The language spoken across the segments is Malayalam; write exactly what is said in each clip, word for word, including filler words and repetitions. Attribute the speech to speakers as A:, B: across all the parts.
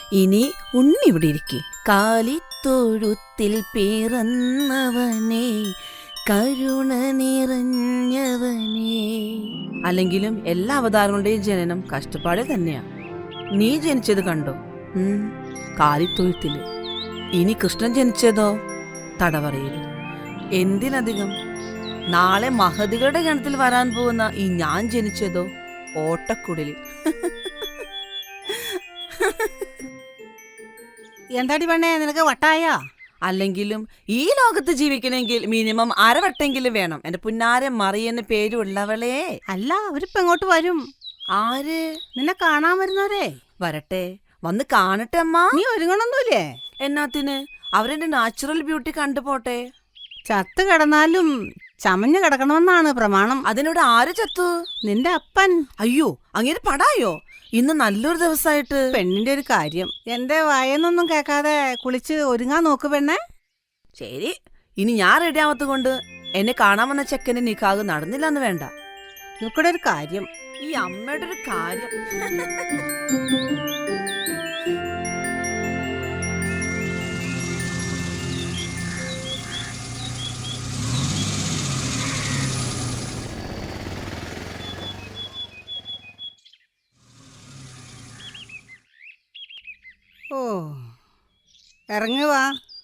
A: ഇനി ഉണ്ണി ഇവിടെ ഇരിക്കെ. കാലിത്തൊഴുത്തിൽ പിറന്നവനേ കരുണ നിറഞ്ഞവനേ. അല്ലെങ്കിലും എല്ലാ അവതാരങ്ങളുടെയും ജനനം കഷ്ടപ്പാടിൽ തന്നെയാ. നീ ജനിച്ചത് കണ്ടോ? ഉം കാലിത്തൊഴുത്തില്. ഇനി കൃഷ്ണൻ ജനിച്ചതോ തടവറയില്. എന്തിനധികം നാളെ മഹതികളുടെ ഗണത്തിൽ വരാൻ പോകുന്ന ഈ ഞാൻ ജനിച്ചതോ ഓട്ടക്കുടലിൽ.
B: എന്താടി പെണ്ണേ, നിനക്ക് വട്ടായ?
A: അല്ലെങ്കിലും ഈ ലോകത്ത് ജീവിക്കണമെങ്കിൽ മിനിമം അരവട്ടെങ്കിലും വേണം. എന്റെ പുന്നാരെ മറിയെന്ന് പേരുള്ളവളേ.
B: അല്ല, അവരിപ്പ എങ്ങോട്ട് വരും?
A: ആര്?
B: നിന്നെ കാണാൻ വരുന്നവരെ.
A: വരട്ടെ, വന്ന് കാണട്ടെ അമ്മ.
B: നീ ഒരുങ്ങണൊന്നുമില്ലേ?
A: എന്നാത്തിന്? അവരെന്റെ നാച്ചുറൽ ബ്യൂട്ടി കണ്ടുപോട്ടെ.
B: ചത്ത് കിടന്നാലും ചമഞ്ഞു കിടക്കണമെന്നാണ് പ്രമാണം.
A: അതിനോട് ആര് ചത്തു?
B: നിന്റെ അപ്പൻ.
A: അയ്യോ, അങ്ങനെ പടായോ? ഇന്ന് നല്ലൊരു ദിവസമായിട്ട്.
B: പെണ്ണിന്റെ ഒരു കാര്യം. എന്റെ വായെന്നൊന്നും കേൾക്കാതെ കുളിച്ച് ഒരുങ്ങാൻ നോക്ക് പെണ്ണേ.
A: ശരി, ഇനി ഞാൻ റെഡി ആവാത്ത കൊണ്ട് എന്നെ കാണാൻ വന്ന ചെക്കന്റെ നിക്കാഹ് നടന്നില്ലെന്ന് വേണ്ട.
B: ഇവിടെ ഒരു കാര്യം.
A: ഈ അമ്മയുടെ ഒരു കാര്യം.
B: ഓ, ഇറങ്ങുവാ.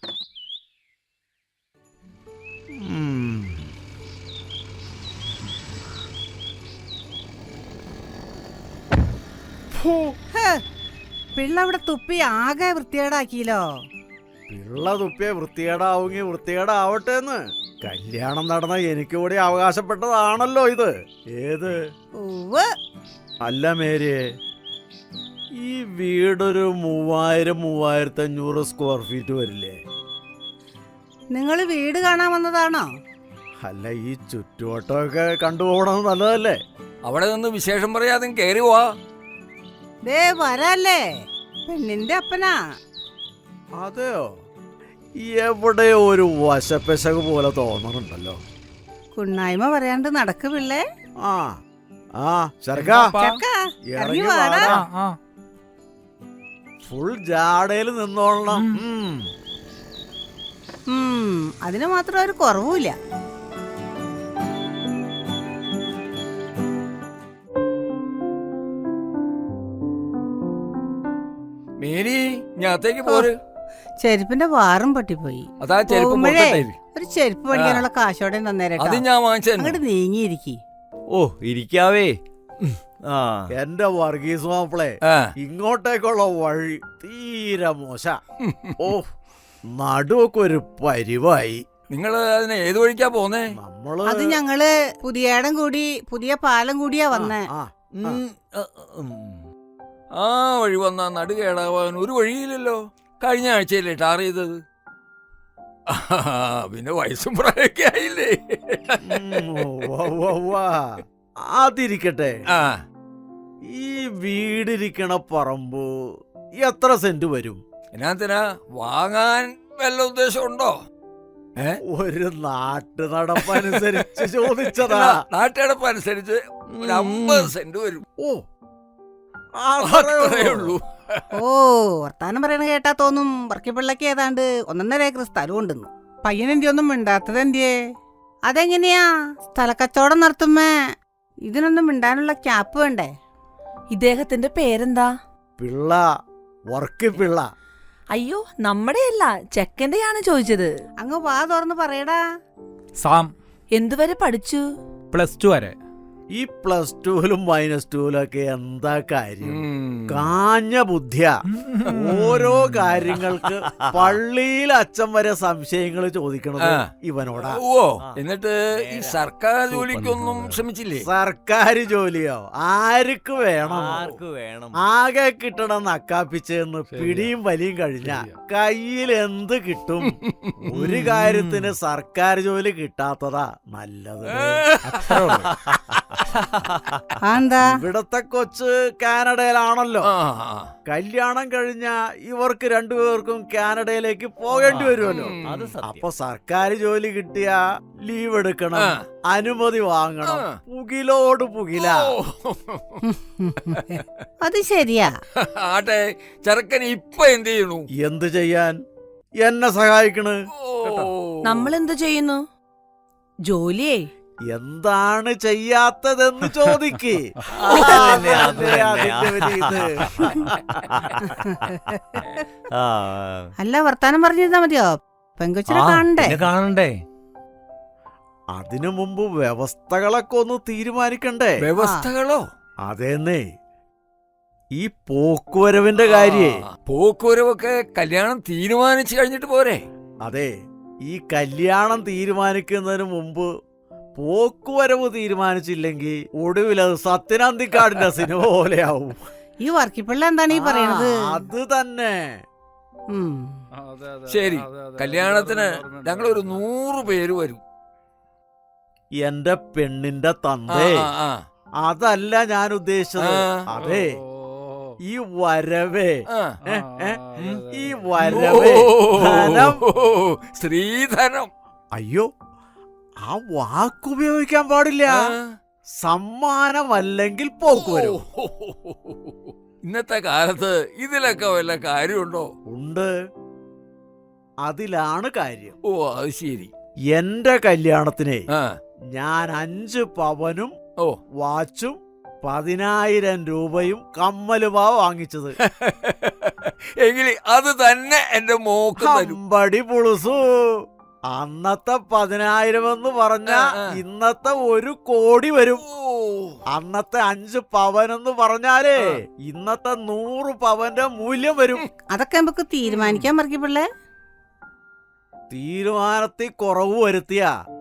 B: പിള്ള അവിടെ തുപ്പി ആകെ വൃത്തികേടാക്കിയല്ലോ.
C: പിള്ള തുപ്പിയെ വൃത്തികേടാവുങ്ങി വൃത്തികേടാവട്ടെ എന്ന് കല്യാണം നടന്ന എനിക്ക് കൂടി അവകാശപ്പെട്ടതാണല്ലോ ഇത്. ഏത്? അല്ല മേരിയെ, ഈ വീടൊരു മൂവായിരം മൂവായിരത്തി അഞ്ഞൂറ് സ്ക്വയർ ഫീറ്റ് വരില്ലേ?
B: നിങ്ങൾ വീട് കാണാൻ വന്നതാണോ?
C: അല്ല, ഈ ചുറ്റുവട്ടമൊക്കെ കണ്ടുപോകണത് നല്ലതല്ലേ?
D: അവിടെ നിന്ന് വിശേഷം പറയാതെ കേറി പോവാ.
B: ദേ വരല്ലേ, പെണ്ണിന്റെ അപ്പനാ.
C: അതെയോ? എവിടെ ഒരു വശപ്പെശക് പോലെ തോന്നണുണ്ടല്ലോ.
B: കുണ്ണായ്മ പറയാണ്ട് നടക്ക് പിള്ളേ.
C: ആ ആ ചെറുക്കാ,
B: ഇറങ്ങി വാടാ.
C: ഫുൾ ജാടയിൽ നിന്നോളണം.
B: അതിന് മാത്രം ഒരു കുറവുമില്ല.
D: മേരി, ഞാത്തേക്ക് പോര്.
B: ചെരുപ്പിന്റെ വാറും പൊട്ടിപ്പോയി.
D: അതാ ചെരുപ്പ്
B: ഒരു ചെരുപ്പ് പഠിക്കാനുള്ള കാശോടെ തന്നേരട്ടോ.
D: അത് ഞാൻ വാങ്ങിച്ചു.
B: അങ്ങോട്ട് നീങ്ങിയിരിക്കി.
E: ഓ, ഇരിക്കാവേ.
C: എന്റെ വർഗീസ് മാപ്പിളെ, ഇങ്ങോട്ടേക്കുള്ള വഴി തീരെ മോശ. ഓ, നടുവൊക്കെ ഒരു പരിവായി.
D: നിങ്ങള് അതിനെ ഏത് വഴിക്കാ പോന്നേ?
C: നമ്മള്
B: അത് ഞങ്ങള് പുതിയേടം കൂടി പുതിയ പാലം കൂടിയാ വന്നേ.
D: ആ വഴി വന്നാ നടു കേടാവാൻ ഒരു വഴിയില്ലല്ലോ. കഴിഞ്ഞ ആഴ്ചയല്ലേ ടാർ ചെയ്തത്. പിന്നെ വയസ്സും പ്രായമൊക്കെ ആയില്ലേ.
C: അതിരിക്കട്ടെ, ഈ വീടിരിക്കണ പറമ്പ് എത്ര സെന്റ് വരും?
D: എന്നാത്തിനാ വാങ്ങാൻ വല്ല ഉദ്ദേശം ഉണ്ടോ?
C: ഒരു നാട്ടു നടപ്പനുസരിച്ച് ചോദിച്ചതാ.
D: നാട്ടുനടപ്പ് അനുസരിച്ച് ഒരു അമ്പത് സെന്റ് വരും.
C: ഓ,
D: ഉള്ളൂ.
B: ഓ, വർത്താനം പറയണ കേട്ടാ തോന്നും വർക്കിപ്പിള്ളക്ക് ഏതാണ്ട് ഒന്നൊന്നര ഏക്കർ സ്ഥലം ഉണ്ടെന്നു. പയ്യനെന്തി ഒന്നും മിണ്ടാത്തത് എന്തിയേ? അതെങ്ങനെയാ സ്ഥലക്കച്ചവടം നടത്തുമ്പേ ഇതിനൊന്നും മിണ്ടാനുള്ള ക്യാപ്പ് വേണ്ടേ?
A: ഇദ്ദേഹത്തിന്റെ പേരെന്താ?
C: പിള്ള, വർക്കി പിള്ള.
A: അയ്യോ, നമ്മുടെയല്ല, ചെക്കന്റെയാണ് ചോദിച്ചത്.
B: അങ്ങ് വാ തുറന്ന് പറയടാ.
E: സാം.
A: എന്തുവരെ പഠിച്ചു?
E: പ്ലസ് ടു വരെ.
C: ഈ പ്ലസ് ടുവിലും മൈനസ് ടുവിലൊക്കെ എന്താ കാര്യം? കാഞ്ഞ ബുദ്ധിയ. ഓരോ കാര്യങ്ങൾക്ക് പള്ളിയിൽ അച്ഛൻ വരെ സംശയങ്ങൾ ചോദിക്കണത് ഇവനോടാ.
D: ഓ, എന്നിട്ട് ഈ സർക്കാർ ജോലിക്കൊന്നും ശ്രമിച്ചില്ലേ?
C: സർക്കാർ ജോലിയോ ആർക്ക് വേണം?
E: ആർക്ക് വേണം?
C: ആകെ കിട്ടണം നക്കാപ്പിച്ചെന്ന് പിടിയും വലിയും കഴിഞ്ഞ കയ്യിൽ എന്ത് കിട്ടും? ഒരു കാര്യത്തിന് സർക്കാർ ജോലി കിട്ടാത്തതാ നല്ലത്.
B: ആ എന്താ?
C: ഇവിടത്തെ കൊച്ച് കാനഡയിലാണല്ലോ.
D: ആ, ആ.
C: കല്യാണം കഴിഞ്ഞ ഇവർക്ക് രണ്ടുപേർക്കും കാനഡയിലേക്ക് പോകേണ്ടി വരുമല്ലോ.
D: ഉം.
E: അത് സത്യം.
C: അപ്പൊ സർക്കാർ ജോലി കിട്ടിയ ലീവ് എടുക്കണം,
D: ആ.
C: അനുമതി വാങ്ങണം,
D: ആ.
C: പുകിലോട് പുകില.
D: ഓ.
B: അത് ശരിയാ.
D: ആട്ടെ, ചെറുക്കൻ ഇപ്പൊ എന്ത് ചെയ്യണു?
C: എന്ത് ചെയ്യാൻ? എന്നെ സഹായിക്കണ്.
D: ഓ.
A: നമ്മൾ എന്ത് ചെയ്യുന്നു? ജോലിയേ
C: എന്താണ് ചെയ്യാത്തതെന്ന് ചോദിക്ക്.
E: അതന്നെ, അത്
C: അതല്ലേ
E: തന്നെ.
C: അതിന്റെ ഒരു ഇത്.
E: ആ,
B: അല്ല, വർത്താനം പറഞ്ഞിരുന്നാ മതിയോ? പെങ്കൊച്ചിനെ
E: ആ,
B: കാണണ്ടേ?
E: പിന്നെ കാണണ്ടേ?
C: അതിനു മുമ്പ് വ്യവസ്ഥകളൊക്കെ ഒന്ന് തീരുമാനിക്കണ്ടേ?
D: വ്യവസ്ഥകളോ?
C: അതേന്നേ, ഈ പോക്കുവരവിന്റെ കാര്യേ.
D: ആ, പോക്കുവരവൊക്കെ കല്യാണം തീരുമാനിച്ചു കഴിഞ്ഞിട്ട് പോരെ?
C: അതെ, ഈ കല്യാണം തീരുമാനിക്കുന്നതിന് മുമ്പ് പോക്കുവരവ് തീരുമാനിച്ചില്ലെങ്കിൽ ഒടുവിൽ അത് സത്യനാന്തിക്കാടിന്റെ സിനിമ പോലെയാവും.
B: ഈ വർക്കിപ്പിള്ള എന്താണ് ഈ പറയണത്?
C: ആ, അത് തന്നെ.
B: ഉം.
D: ശരി, കല്യാണത്തിന് ഞങ്ങൾ ഒരു നൂറ് പേര് വരും.
C: എന്റെ പെണ്ണിന്റെ
D: ആ,
C: തന്തേ,
D: ആ, ആ.
C: അതല്ല ഞാൻ ഉദ്ദേശിച്ചത്.
D: ആ.
C: അതെ, ഈ വരവേ,
D: ആ.
C: ഏ, ഏ, ഈ വരവേ ധനം.
D: ഓ, സ്ത്രീധനം.
C: അയ്യോ, ആ വാക്കുപയോഗിക്കാൻ പാടില്ല.
D: ആ.
C: സമ്മാനമല്ലെങ്കിൽ പോക്കുവരവ്.
D: ഓ. ഇന്നത്തെ കാലത്ത് ഇതിലൊക്കെ വല്ല കാര്യമുണ്ടോ?
C: ഉണ്ട്, അതിലാണ് കാര്യം.
D: ഓ, അത് ശരി.
C: എന്റെ കല്യാണത്തിനെ
D: ആ.
C: ഞാൻ അഞ്ച് പവനും
D: ഓ.
C: വാച്ചും പതിനായിരം രൂപയും കമ്മലുമാ വാങ്ങിച്ചത്.
D: എങ്കിൽ അത് തന്നെ എന്റെ മോക്ക് തരും.
C: അമ്പടി പുളുസു. അന്നത്തെ പതിനായിരം എന്ന് പറഞ്ഞ
D: ആ, ആ.
C: ഇന്നത്തെ ഒരു കോടി വരും.
D: ഓ.
C: അന്നത്തെ അഞ്ച് പവൻ എന്ന് പറഞ്ഞാലേ
D: ആ.
C: ഇന്നത്തെ നൂറ് പവന്റെ മൂല്യം വരും.
B: അതൊക്കെ നമുക്ക് തീരുമാനിക്കാൻ വർക്കിപ്പിള്ളേ.
C: തീരുമാനത്തിൽ കുറവ് വരുത്തിയ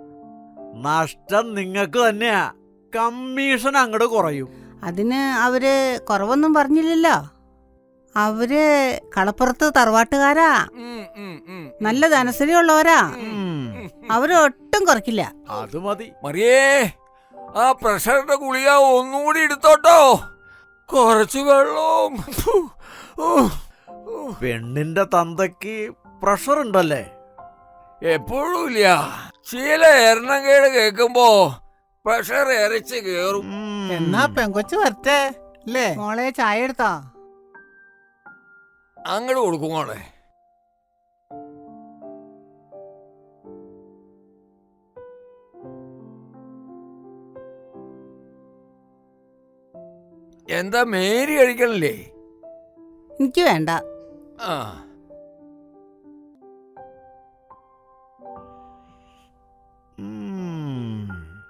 C: നഷ്ടം നിങ്ങൾക്ക് തന്നെയാ. കമ്മീഷൻ അങ്ങോട്ട് കുറയും.
B: അതിന് അവര് കുറവൊന്നും പറഞ്ഞില്ലല്ലോ. അവര് കളപ്പുറത്ത് തറവാട്ടുകാരാ,
D: ഉം, ഉം, ഉം.
B: നല്ല ധനസ്ഥിതിയുള്ളവരാ.
C: ഉം,
B: അവര് ഒട്ടും കുറയ്ക്കില്ല.
C: അത് മതി.
D: മറിയേ, ആ പ്രഷറിന്റെ ഗുളിക ഒന്നുകൂടി എടുത്തോട്ടോ. കുറച്ചു വെള്ളവും. ഫു. ഓ. ഓ.
C: പെണ്ണിന്റെ തന്തയ്ക്ക് പ്രഷർ ഉണ്ടല്ലേ?
D: എപ്പോഴും ഇല്ല. ചില എണ്ണക്കേട് കേൾക്കുമ്പോ പ്രഷർ ഇരച്ച് കേറും.
C: ഉം.
B: എന്നാ പെങ്കൊച്ച് വരട്ടെ അല്ലേ? മോളെ ചായ എടുത്താ?
D: അങ്ങോട്ട് കൊടുക്കും മോളെ. എന്താ മേരി കഴിക്കണില്ലേ?
B: എനിക്ക് വേണ്ട.
D: ആ.
C: ഉം.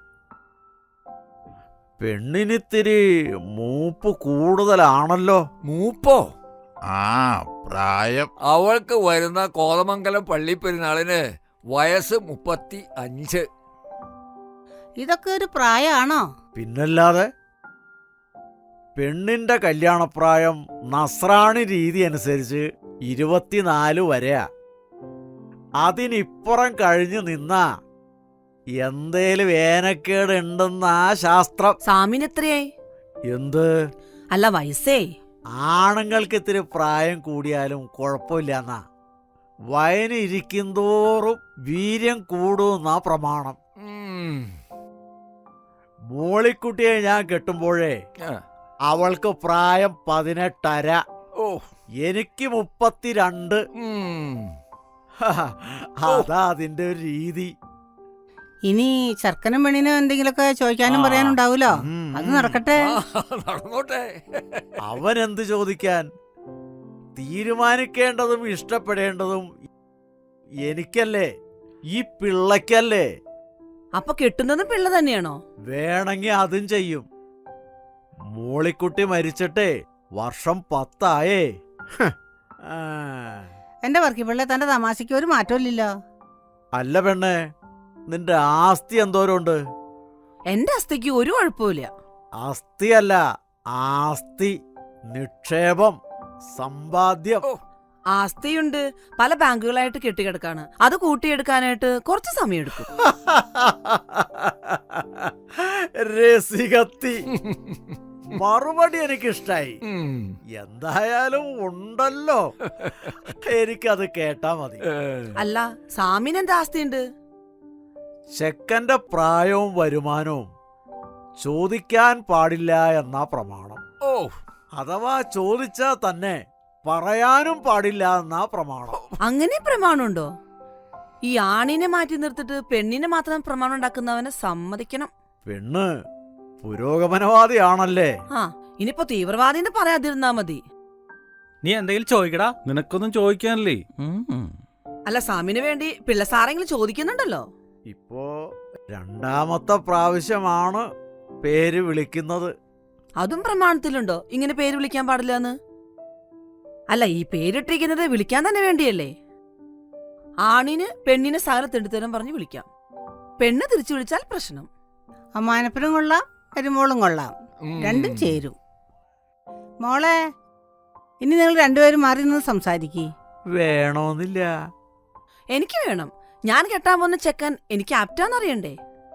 C: പെണ്ണിനിത്തിരി മൂപ്പ് കൂടുതലാണല്ലോ.
D: മൂപ്പോ?
F: ആ പ്രായം
D: അവൾക്ക് വരുന്ന കോതമംഗലം പള്ളിപ്പെരുന്നാളിന് വയസ്സ് മുപ്പത്തി അഞ്ച്.
B: ഇതൊക്കെ ഒരു പ്രായമാണോ?
C: പിന്നല്ലാതെ. പെണ്ണിന്റെ കല്യാണപ്രായം നസ്രാണി രീതി അനുസരിച്ച് ഇരുപത്തിനാല് വരെയാ. അതിനിപ്പുറം കഴിഞ്ഞു നിന്നാ എന്തേലും വേനക്കേട് ഉണ്ടെന്നാ ശാസ്ത്രം.
A: സാമിന് എത്രയായി?
C: എന്ത്?
A: അല്ല, വയസ്സേ.
C: ആണുങ്ങൾക്ക് ഇത്തിരി പ്രായം കൂടിയാലും കുഴപ്പമില്ലെന്നാ. വയന് ഇരിക്കുന്തോറും വീര്യം കൂടുമെന്നാ പ്രമാണം.
D: ഉം.
C: മോളിക്കുട്ടിയെ ഞാൻ കെട്ടുമ്പോഴേ
D: ആ.
C: അവൾക്ക് പ്രായം പതിനെട്ടര,
D: ഓ.
C: എനിക്ക് മുപ്പത്തിരണ്ട്.
D: ഉം.
C: അതാ അതിന്റെ ഒരു രീതി.
B: ഇനി ചെറുക്കനും പെണ്ണിനും എന്തെങ്കിലുമൊക്കെ ചോദിക്കാനും
C: ആ.
B: പറയാനുണ്ടാവൂലോ.
C: ഉം,
B: അത്
C: ഉം.
B: നടക്കട്ടെ.
D: ആ, നടന്നോട്ടെ.
C: അവൻ എന്ത് ചോദിക്കാൻ? തീരുമാനിക്കേണ്ടതും ഇഷ്ടപ്പെടേണ്ടതും എനിക്കല്ലേ, ഈ പിള്ളക്കല്ലേ.
A: അപ്പൊ കെട്ടുന്നതും പിള്ള തന്നെയാണോ?
C: വേണമെങ്കിൽ അതും ചെയ്യും. മോളിക്കുട്ടി മരിച്ചിട്ടേ വർഷം പത്തായേ. ഹ്. ആ.
B: എന്റെ വർക്കിപ്പിള്ള തന്റെ തമാശയ്ക്ക് ഒരു മാറ്റമില്ലല്ലോ.
C: അല്ല പെണ്ണേ, നിന്റെ ആസ്തി എന്തോരമുണ്ട്?
A: എന്റെ അസ്ഥയ്ക്ക് ഒരു കുഴപ്പമില്ല.
C: അസ്ഥിയല്ല, ആസ്തി, നിക്ഷേപം, സമ്പാദ്യം.
D: ഓ.
A: ആസ്തിയുണ്ട്, പല ബാങ്കുകളായിട്ട് കെട്ടിക്കിടക്കാണ്. അത് കൂട്ടിയെടുക്കാനായിട്ട് കുറച്ച് സമയം എടുക്കും.
C: രസികത്തി, മറുപടി എനിക്കിഷ്ടായി.
D: ഉം.
C: എന്തായാലും ഉണ്ടല്ലോ, എനിക്കത് കേട്ടാ മതി.
A: അല്ല, സാമിന് എന്താ ആസ്തിയുണ്ട്?
C: ചെക്കന്റെ പ്രായവും വരുമാനവും ചോദിക്കാൻ പാടില്ല എന്നാ പ്രമാണം.
D: ഓ,
C: അഥവാ ചോദിച്ചാ തന്നെ പറയാനും പാടില്ല എന്നാ പ്രമാണം.
A: അങ്ങനെ പ്രമാണമുണ്ടോ? ഈ ആണിനെ മാറ്റി നിർത്തിട്ട് പെണ്ണിനെ മാത്രം പ്രമാണം ഉണ്ടാക്കുന്നവനെ സമ്മതിക്കണം.
C: പെണ്ണ് പുരോഗമനവാദിയാണല്ലേ?
A: ആ, ഇനിയിപ്പോ തീവ്രവാദിന്ന് പറയാതിരുന്നാ മതി.
E: നീ എന്തെങ്കിലും ചോദിക്കടാ. നിനക്കൊന്നും ചോദിക്കാനല്ലേ?
A: അല്ല, സാമിന് വേണ്ടി പിള്ളസാരെങ്കിലും ചോദിക്കുന്നുണ്ടല്ലോ.
C: ഇപ്പോ രണ്ടാമത്തെ പ്രാവശ്യമാണ് പേര് വിളിക്കുന്നത്.
A: അതും പ്രമാണത്തിലുണ്ടോ ഇങ്ങനെ പേര് വിളിക്കാൻ പാടില്ല എന്ന്? അല്ല, ഈ പേരിട്ടിരിക്കുന്നത് വിളിക്കാൻ തന്നെ വേണ്ടിയല്ലേ? ആണിന് പെണ്ണിനെ സകല തെണ്ടിത്തരം പറഞ്ഞ് വിളിക്കാം. പെണ്ണ് തിരിച്ചു വിളിച്ചാൽ പ്രശ്നം.
B: അമ്മാനപ്പനും കൊള്ളാം, മരുമോളും കൊള്ളാം,
D: ഉം.
B: രണ്ടും ചേരും. മോളെ, ഇനി നിങ്ങൾ രണ്ടുപേരും മാറി നിന്ന് സംസാരിക്കേ.
C: വേണമെന്നില്ല.
A: എനിക്ക് വേണം. ഞാൻ കെട്ടാൻ പോകുന്ന ചെക്കൻ എനിക്ക് ആപ്റ്റാന്നറിയണ്ടേ?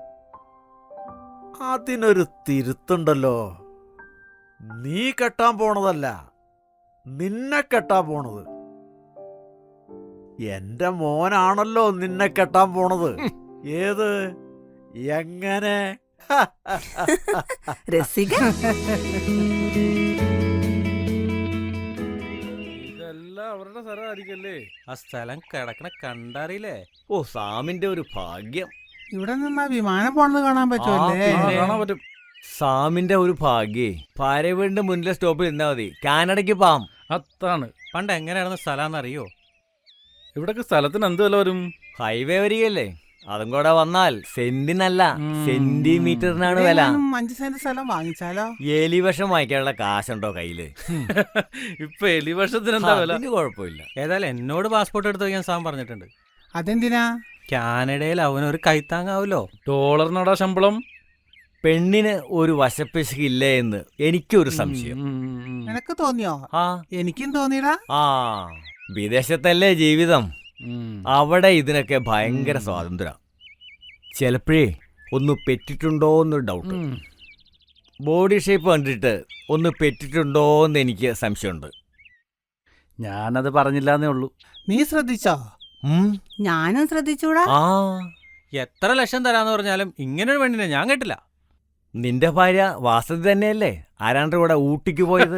C: അതിനൊരു തിരുത്തുണ്ടല്ലോ. നീ കെട്ടാൻ പോണതല്ല, നിന്നെ കെട്ടാൻ പോണത്. എന്റെ മോനാണല്ലോ നിന്നെ കെട്ടാൻ പോണത്. ഏത്? എങ്ങനെ?
A: രസിക.
E: ഇതെല്ലാം അവരുടെ സ്ഥലമായിരിക്കല്ലേ? ആ സ്ഥലം കിടക്കണ കണ്ടറിയില്ലേ?
G: ഓ, സാമിന്റെ ഒരു ഭാഗ്യം.
H: ഇവിടെ നിന്നാ വിമാനം പോണത് കാണാൻ പറ്റുമല്ലേ?
G: ആ, പിന്നെ.
E: കാണാൻ പറ്റും.
G: സാമിന്റെ ഒരു ഭാഗ്യേ. ഭാര്യ വീടിന്റെ മുന്നിലെ സ്റ്റോപ്പിൽ ഇരുന്നാ മതി. കാനഡയ്ക്ക് പാം.
E: അതാണ്. പണ്ട് എങ്ങനെയാണെന്ന് സ്ഥലം അറിയോ? ഇവിടൊക്കെ സ്ഥലത്തിന് എന്ത് വില വരും?
G: ഹൈവേ വരികയല്ലേ, അതും കൂടെ വന്നാൽ സെന്റിനല്ല
E: ഉം.
G: സെന്റിമീറ്ററിനാണ് വില.
H: ഇവിടെയെങ്ങാനും അഞ്ച് സെന്റ് സ്ഥലം വാങ്ങിച്ചാലോ?
G: എലിവശം വാങ്ങിക്കാനുള്ള കാശുണ്ടോ കയ്യില്?
E: ഇപ്പൊ എലിവർഷത്തിന് എന്താ വില?
G: അതിന് കുഴപ്പമില്ല.
E: ഏതായാലും എന്നോട് പാസ്പോർട്ട് എടുത്ത് വയ്ക്കാൻ സാം പറഞ്ഞിട്ടുണ്ട്.
H: അതെന്തിനാ?
E: കാനഡയിൽ അവനൊരു കൈത്താങ്ങാവല്ലോ. ഡോളറിനോടാ ശമ്പളം.
G: പെണ്ണിന് ഒരു വശപ്പിശകില്ലേ എന്ന് എനിക്കൊരു സംശയം.
E: ഉം.
H: നിനക്ക് തോന്നിയോ?
G: ആ
H: എനിക്കും തോന്നിയടാ.
G: ആ വിദേശത്തല്ലേ ജീവിതം,
E: ഉം.
G: അവിടെ ഇതിനൊക്കെ ഭയങ്കര
E: ഉം.
G: സ്വാതന്ത്ര്യം. ചിലപ്പോഴേ ഒന്ന് പെറ്റിട്ടുണ്ടോ എന്നൊരു ഡൗട്ട്.
E: ഉം.
G: ബോഡി ഷേപ്പ് കണ്ടിട്ട് ഒന്ന് പെറ്റിട്ടുണ്ടോ എന്ന് എനിക്ക് സംശയമുണ്ട്.
E: ഞാനത് പറഞ്ഞില്ലാന്നേ ഉള്ളൂ.
H: നീ ശ്രദ്ധിച്ചോ?
G: ഉം.
B: ഞാനും ശ്രദ്ധിച്ചൂടാ.
G: ആ
E: എത്ര ലക്ഷം തരാന്ന് പറഞ്ഞാലും ഇങ്ങനൊരു പെണ്ണിനെ ഞാൻ കേട്ടില്ല.
G: നിന്റെ ഭാര്യ വാസതി തന്നെയല്ലേ ആരാണ്ട് കൂടെ ഊട്ടിക്ക് പോയത്?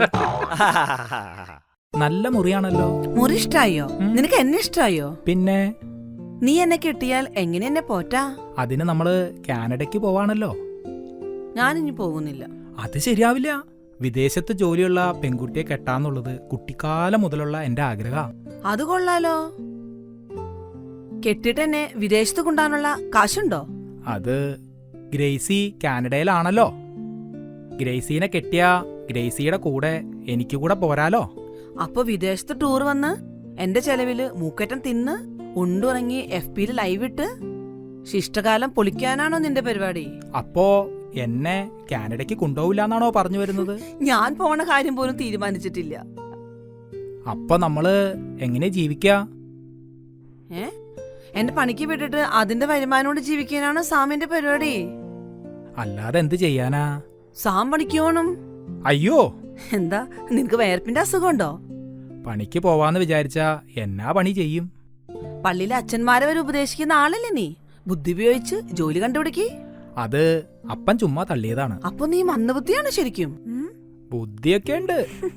I: നല്ല മുറിയാണല്ലോ.
A: മുറി ഇഷ്ടായോ? നിനക്ക് എന്നെ ഇഷ്ടായോ?
I: പിന്നെ
A: നീ എന്നെ കിട്ടിയാൽ എങ്ങനെ എന്നെ പോറ്റാ?
I: അതിന് നമ്മള് കാനഡയ്ക്ക് പോവാണല്ലോ.
A: ഞാനിനി പോകുന്നില്ല.
I: അത് ശരിയാവില്ല. വിദേശത്ത് ജോലിയുള്ള പെൺകുട്ടിയെ കെട്ടാന്നുള്ളത് കുട്ടിക്കാലം മുതലുള്ള എന്റെ ആഗ്രഹ.
A: അത് കൊള്ളാലോ. കെട്ടിട്ട് എന്നെ വിദേശത്ത് കൊണ്ടാനുള്ള കാശുണ്ടോ?
I: അത് ഗ്രേസി കാനഡയിലാണല്ലോ. ഗ്രേസീനെ കെട്ടിയ ഗ്രേസിയുടെ കൂടെ എനിക്ക് കൂടെ പോരാലോ.
A: അപ്പൊ വിദേശത്ത് ടൂർ വന്ന് എന്റെ ചെലവില് മൂക്കറ്റം തിന്ന് ഉണ്ടുറങ്ങി എഫ് പിയിൽ ലൈവ് ഇട്ട് ശിഷ്ടകാലം പൊളിക്കാനാണോ നിന്റെ പരിപാടി?
I: അപ്പോ എന്നെ കാനഡയ്ക്ക് കൊണ്ടുപോവില്ലെന്നാണോ പറഞ്ഞു വരുന്നത്?
A: ഞാൻ പോണ കാര്യം പോലും തീരുമാനിച്ചിട്ടില്ല.
I: അപ്പൊ നമ്മള് എങ്ങനെ ജീവിക്കാ?
A: ഏ എന്റെ പണിക്ക് വിട്ടിട്ട് അതിന്റെ വരുമാനം കൊണ്ട് ജീവിക്കാനാണ് സാമിന്റെ പരിപാടി.
I: അല്ലാതെ എന്ത് ചെയ്യാനാ?
A: സാം പണിക്ക് പോണം.
I: അയ്യോ,
A: എന്താ നിനക്ക് വയർപ്പിന്റെ അസുഖമുണ്ടോ?
I: പണിക്ക് പോവാന്ന് വിചാരിച്ചാ എന്നാ പണി ചെയ്യും?
A: പള്ളിയിലെ അച്ഛന്മാരെ വരെ ഉപദേശിക്കുന്ന ആളല്ലേ നീ? ബുദ്ധി ഉപയോഗിച്ച് ജോലി കണ്ടുപിടിക്ക്.
I: അത് അപ്പൻ ചുമ്മാ തള്ളിയതാണ്.
A: അപ്പൊ നീ മന്ദബുദ്ധിയാണ് ശരിക്കും. ഉം?
I: ബുദ്ധിയൊക്കെ ഉണ്ട്.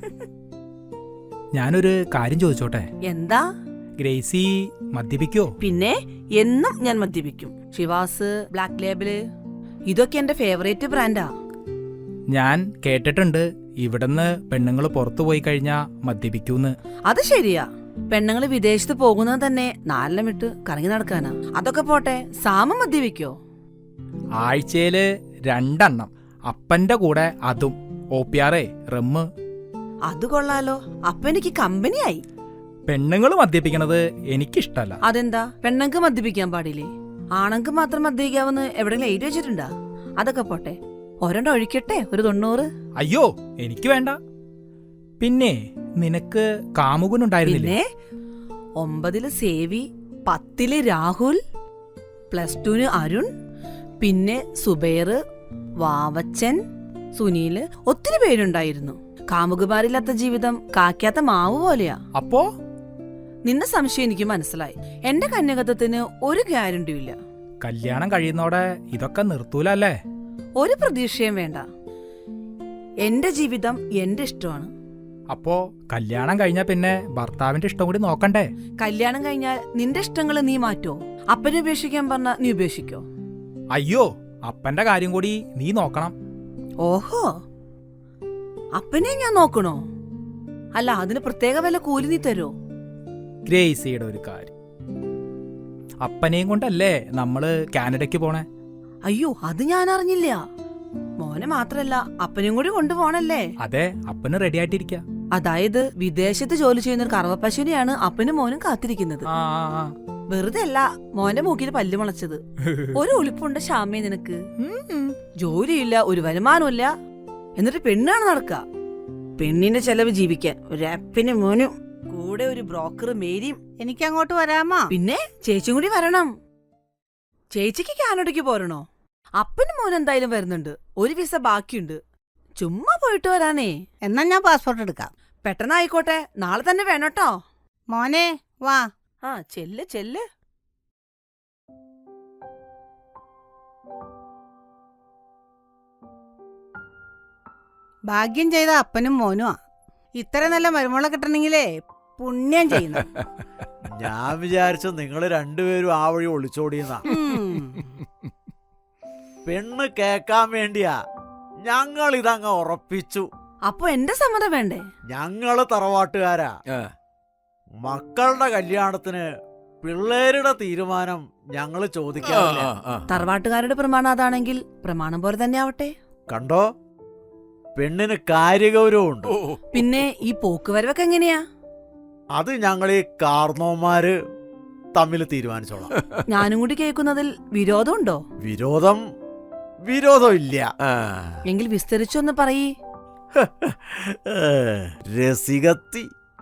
I: ഞാനൊരു കാര്യം ചോദിച്ചോട്ടെ?
A: എന്താ?
I: ഗ്രേസി മദ്യപിക്കോ?
A: പിന്നെ എന്നും ഞാൻ മദ്യപിക്കും. ഷിവാസ്, ബ്ലാക്ക് ലേബിള് ഇതൊക്കെ എന്റെ ഫേവറേറ്റ് ബ്രാൻഡാ.
I: ഞാൻ കേട്ടിട്ടുണ്ട് ഇവിടുന്ന് പെണ്ണുങ്ങൾ പുറത്തു പോയി കഴിഞ്ഞാ മദ്യപിക്കൂന്ന്.
A: അത് ശരിയാ. പെണ്ണുങ്ങള് വിദേശത്ത് പോകുന്നത് തന്നെ നാലെണ്ണം വിട്ട് കറങ്ങി നടക്കാനാ. അതൊക്കെ പോട്ടെ, സാമ മദ്യപിക്കോ?
I: ആഴ്ചയില് രണ്ടെണ്ണം. അപ്പന്റെ കൂടെ അതും ഓപ്പിയാറേ റമ്മ്.
A: അത് കൊള്ളാലോ. അപ്പൊ എനിക്ക് കമ്പനിയായി.
I: പെണ്ണുങ്ങൾ മദ്യപിക്കണത് എനിക്കിഷ്ടല്ല.
A: അതെന്താ? പെണ്ണുങ്ങൾക്ക് മദ്യപിക്കാൻ പാടില്ലേ? ആണുങ്ങൾക്ക് മാത്രം മദ്യപിക്കാവെന്ന് എവിടെയെങ്കിലും എഴുതി വെച്ചിട്ടുണ്ടാ? അതൊക്കെ പോട്ടെ, ഒരെണ്ണം ഒഴിക്കട്ടെ, ഒരു തൊണ്ണൂറ്.
I: അയ്യോ, എനിക്ക് വേണ്ട. പിന്നെ നിനക്ക് കാമുകനുണ്ടായിരുന്നില്ലേ?
A: പിന്നെ ഒമ്പതില് സേവി, പത്തില് രാഹുൽ, പ്ലസ് ടുന് അരുൺ, പിന്നെ സുബൈർ, വാവച്ചൻ, സുനീല്, ഒത്തിരി പേരുണ്ടായിരുന്നു. കാമുകുമാരില്ലാത്ത ജീവിതം കാക്കാത്ത മാവ് പോലെയാ.
I: അപ്പോ
A: നിന്റെ സംശയം എനിക്ക് മനസ്സിലായി. എന്റെ കന്യകത്വത്തിന് ഒരു ഗ്യാരണ്ടിയും ഇല്ല.
I: കല്യാണം കഴിയുന്നോടെ ഇതൊക്കെ നിർത്തൂല അല്ലേ?
A: ഒരു പ്രതീക്ഷയും വേണ്ട. എന്റെ ജീവിതം എന്റെ ഇഷ്ടമാണ്.
I: അപ്പോ കല്യാണം കഴിഞ്ഞാ പിന്നെ ഭർത്താവിന്റെ ഇഷ്ടം കൂടി നോക്കണ്ടേ?
A: കല്യാണം കഴിഞ്ഞാൽ നിന്റെ ഇഷ്ടങ്ങൾ നീ മാറ്റോ? അപ്പനെ ഉപേക്ഷിക്കാൻ പറഞ്ഞ നീ ഉപേക്ഷിക്കോ?
I: അയ്യോ, അപ്പന്റെ കാര്യം കൂടി നീ നോക്കണം.
A: ഓഹോ, അപ്പനെ ഞാൻ നോക്കണോ? അല്ല, അതിന് പ്രത്യേക വല്ല കൂലി നീ തരോ?
I: ഗ്രേസിയുടെ ഒരു കാര്യം, അപ്പനെയും കൊണ്ടല്ലേ നമ്മള് കാനഡയ്ക്ക് പോണേ?
A: അയ്യോ, അത് ഞാൻ അറിഞ്ഞില്ല. മോനെ മാത്രല്ല അപ്പനെയും കൂടി കൊണ്ടുപോണല്ലേ?
I: അതെ, അപ്പന് റെഡി ആയിട്ടിരിക്ക.
A: അതായത് വിദേശത്ത് ജോലി ചെയ്യുന്ന ഒരു കറവപ്പശുവിനെയാണ് അപ്പനും മോനും കാത്തിരിക്കുന്നത്.
I: ആ ആ, ആ.
A: വെറുതെ അല്ല മോന്റെ മൂക്കിൽ പല്ല് മുളച്ചത്. ഒരു ഒളിപ്പുണ്ട് ശ്യാമേ നിനക്ക്.
I: ഉം.
A: ജോലിയില്ല, ഒരു വരുമാനമില്ല, എന്നിട്ട് പെണ്ണാണ് നടക്കുക. പെണ്ണിന്റെ ചെലവ് ജീവിക്കാൻ ഒരു അപ്പന് മോനും കൂടെ ഒരു ബ്രോക്കർ മേരിയും.
B: എനിക്ക് അങ്ങോട്ട് വരാമോ?
A: പിന്നെ ചേച്ചിയും കൂടി വരണം. ചേച്ചിക്ക് കാനഡയ്ക്ക് പോരണോ? അപ്പനും മോനും എന്തായാലും വരുന്നുണ്ട്. ഒരു വിസ ബാക്കിയുണ്ട്. ചുമ്മാ പോയിട്ട് വരാനേ.
B: എന്നാ ഞാൻ പാസ്പോർട്ട് എടുക്കാം.
A: പെട്ടെന്നായിക്കോട്ടെ, നാളെ തന്നെ വേണോട്ടോ.
B: മോനെ വാ.
A: ആ, ചെല്ല് ചെല്ല്.
B: ഭാഗ്യം ചെയ്ത അപ്പനും മോനുമാ. ഇത്ര നല്ല മരുമോളെ കിട്ടണെങ്കിലേ പുണ്യം ചെയ്യണം.
C: ഞാൻ വിചാരിച്ചു നിങ്ങൾ രണ്ടുപേരും ആ വഴി ഒളിച്ചോടിയെന്നാ.
B: ഉം.
C: പെണ്ണ് കേക്കാൻ വേണ്ടിയാ ഞങ്ങൾ ഇതങ്ങ് ഉറപ്പിച്ചു.
A: അപ്പൊ എന്റെ സമ്മതം വേണ്ടേ?
C: ഞങ്ങള് തറവാട്ടുകാരാ.
D: ആ.
C: മക്കളുടെ കല്യാണത്തിന് പിള്ളേരുടെ തീരുമാനം ഞങ്ങള്
D: ആ,
C: ചോദിക്കാറില്ല.
D: ആ, ആ.
A: തറവാട്ടുകാരുടെ പ്രമാണം അതാണെങ്കിൽ പ്രമാണം പോലെ തന്നെ ആവട്ടെ.
C: കണ്ടോ, പെണ്ണിന് കാര്യഗൗരവമുണ്ട്.
D: ഓ,
A: പിന്നെ ഈ പോക്കുവരവൊക്കെ എങ്ങനെയാ?
C: അത് ഞങ്ങൾ ഈ കാർന്നോന്മാര് തമ്മിൽ തീരുമാനിച്ചോളാം.
A: ഞാനും കൂടി കേൾക്കുന്നതിൽ വിരോധമുണ്ടോ?
C: വിരോധം വിരോധം ഇല്ല.
D: ആ.
A: എങ്കിൽ വിസ്തരിച്ചൊന്ന് പറയ്.
C: രസികത്തി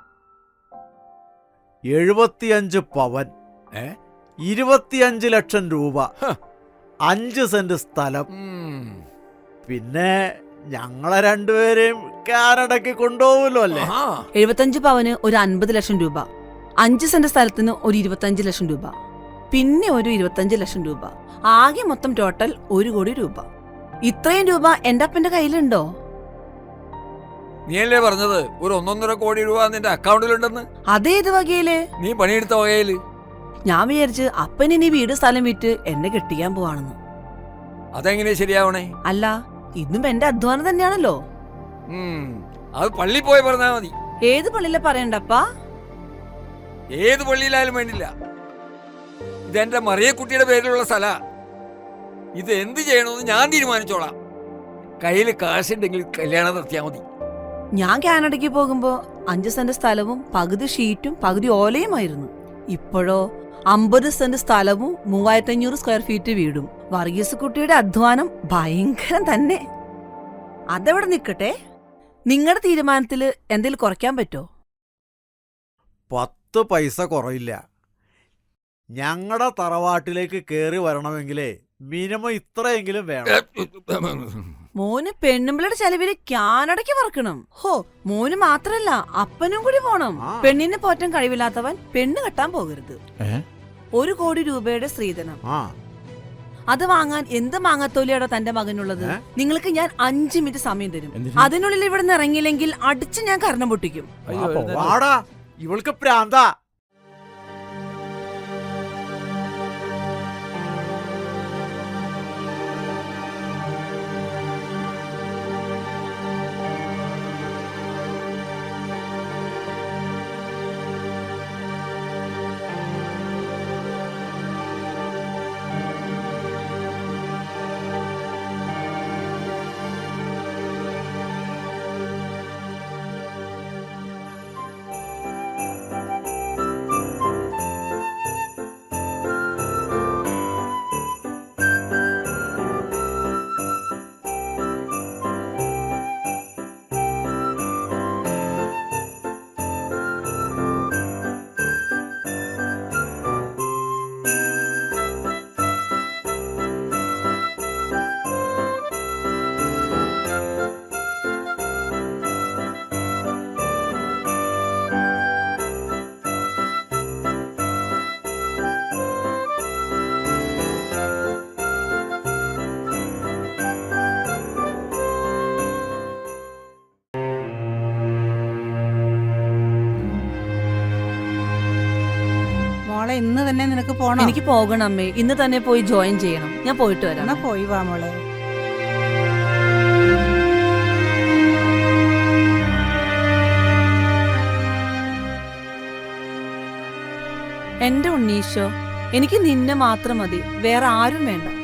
C: എഴുപത്തിയഞ്ച് പവൻ,
D: ഏ?
C: ഇരുപത്തിയഞ്ച് ലക്ഷം രൂപ,
D: ഹ.
C: അഞ്ച് സെന്റ് സ്ഥലം,
D: ഉം.
C: പിന്നെ ഞങ്ങളെ രണ്ടുപേരെയും കാനഡയ്ക്ക് കൊണ്ടുപോകുമല്ലോ അല്ലേ?
D: ആഹാ.
A: എഴുപത്തഞ്ച് പവന് ഒരു അൻപത് ലക്ഷം രൂപ, അഞ്ച് സെന്റ് സ്ഥലത്തിന് ഒരു ഇരുപത്തഞ്ച് ലക്ഷം രൂപ, പിന്നെ ഒരു ഇരുപത്തഞ്ച് ലക്ഷം രൂപ, ആകെ മൊത്തം ടോട്ടൽ ഒരു കോടി രൂപ. ഇത്രയും രൂപ എന്റെ അപ്പന്റെ കയ്യിലുണ്ടോ?
D: നീയല്ലേ പറഞ്ഞത് ഒരു ഒന്നൊന്നര കോടി രൂപ നിന്റെ അക്കൗണ്ടിലുണ്ടെന്ന്?
A: അതേത് വകയില്?
D: നീ പണിയെടുത്ത വകയില്.
A: ഞാൻ വിചാരിച്ച് അപ്പൻ ഇനി വീട് സ്ഥലം വിറ്റ് എന്നെ കെട്ടിക്കാൻ പോവാണെന്ന്.
D: അതെങ്ങനെ ശരിയാവണേ?
A: അല്ല, ഇന്നും എന്റെ അധ്വാനം തന്നെയാണല്ലോ.
D: ഉം. അത് പള്ളി പോയി പറഞ്ഞാ മതി.
A: ഏത് പള്ളിയിലെ പറയണ്ടപ്പാ?
D: ഏത് പള്ളിയിലായാലും വേണ്ടില്ല. ഇതെന്റെ മറിയക്കുട്ടിയുടെ പേരിലുള്ള സ്ഥല. ഇത് എന്ത് ചെയ്യണമെന്ന് ഞാൻ തീരുമാനിച്ചോളാം. കയ്യിൽ കാശുണ്ടെങ്കിൽ കല്യാണം നടത്തിയാ മതി.
A: ഞാൻ കാനഡയ്ക്ക് പോകുമ്പോ അഞ്ച് സെന്റ് സ്ഥലവും പകുതി ഷീറ്റും പകുതി ഓലയുമായിരുന്നു. ഇപ്പോഴോ അമ്പത് സെന്റ് സ്ഥലവും മൂവായിരത്തി അഞ്ഞൂറ് സ്ക്വയർ ഫീറ്റ് വീടും. വർഗീസ് കുട്ടിയുടെ അധ്വാനം ഭയങ്കരം തന്നെ. അതെവിടെ നിക്കട്ടെ, നിങ്ങളുടെ തീരുമാനത്തില് എന്തെങ്കിലും കുറയ്ക്കാൻ പറ്റോ?
C: പത്ത് പൈസ കുറയില്ല. ഞങ്ങളുടെ തറവാട്ടിലേക്ക് കേറി വരണമെങ്കിലേ മിനിമം ഇത്രയെങ്കിലും വേണം.
A: മോന് പെണ്ണുമ്പിളുടെ ചെലവില് കാനഡയ്ക്ക് പറക്കണം. ഹോ, മോന് മാത്രല്ല അപ്പനും കൂടി പോണം.
C: ആ.
A: പെണ്ണിനെ പോറ്റാൻ കഴിവില്ലാത്തവൻ പെണ്ണ് കെട്ടാൻ പോകരുത്.
F: ഏ?
A: ഒരു കോടി രൂപയുടെ സ്ത്രീധനം,
C: ആ,
A: അത് വാങ്ങാൻ എന്ത് മാങ്ങത്തോലിയാടോ തന്റെ മകനുള്ളത്?
C: ഏ?
A: നിങ്ങൾക്ക് ഞാൻ അഞ്ചു മിനിറ്റ് സമയം തരും.
F: എന്തിന്?
A: അതിനുള്ളിൽ ഇവിടെ നിന്ന് ഇറങ്ങിയില്ലെങ്കിൽ അടിച്ച് ഞാൻ കർണം പൊട്ടിക്കും.
E: അയ്യോ,
F: വാ,
E: എഴുന്നേറ്റ്.
C: വാടാ, ഇവൾക്ക് പ്രാന്താ.
B: തന്നെ നിനക്ക് പോണം?
A: എനിക്ക് പോകണം അമ്മേ, ഇന്ന് തന്നെ പോയി ജോയിൻ ചെയ്യണം. ഞാൻ പോയിട്ട് വരാം.
B: എന്നാ പോയി വാ മോളെ.
A: എന്റെ ഉണ്ണീശോ, എനിക്ക് നിന്നെ മാത്രം മതി, വേറെ ആരും വേണ്ട.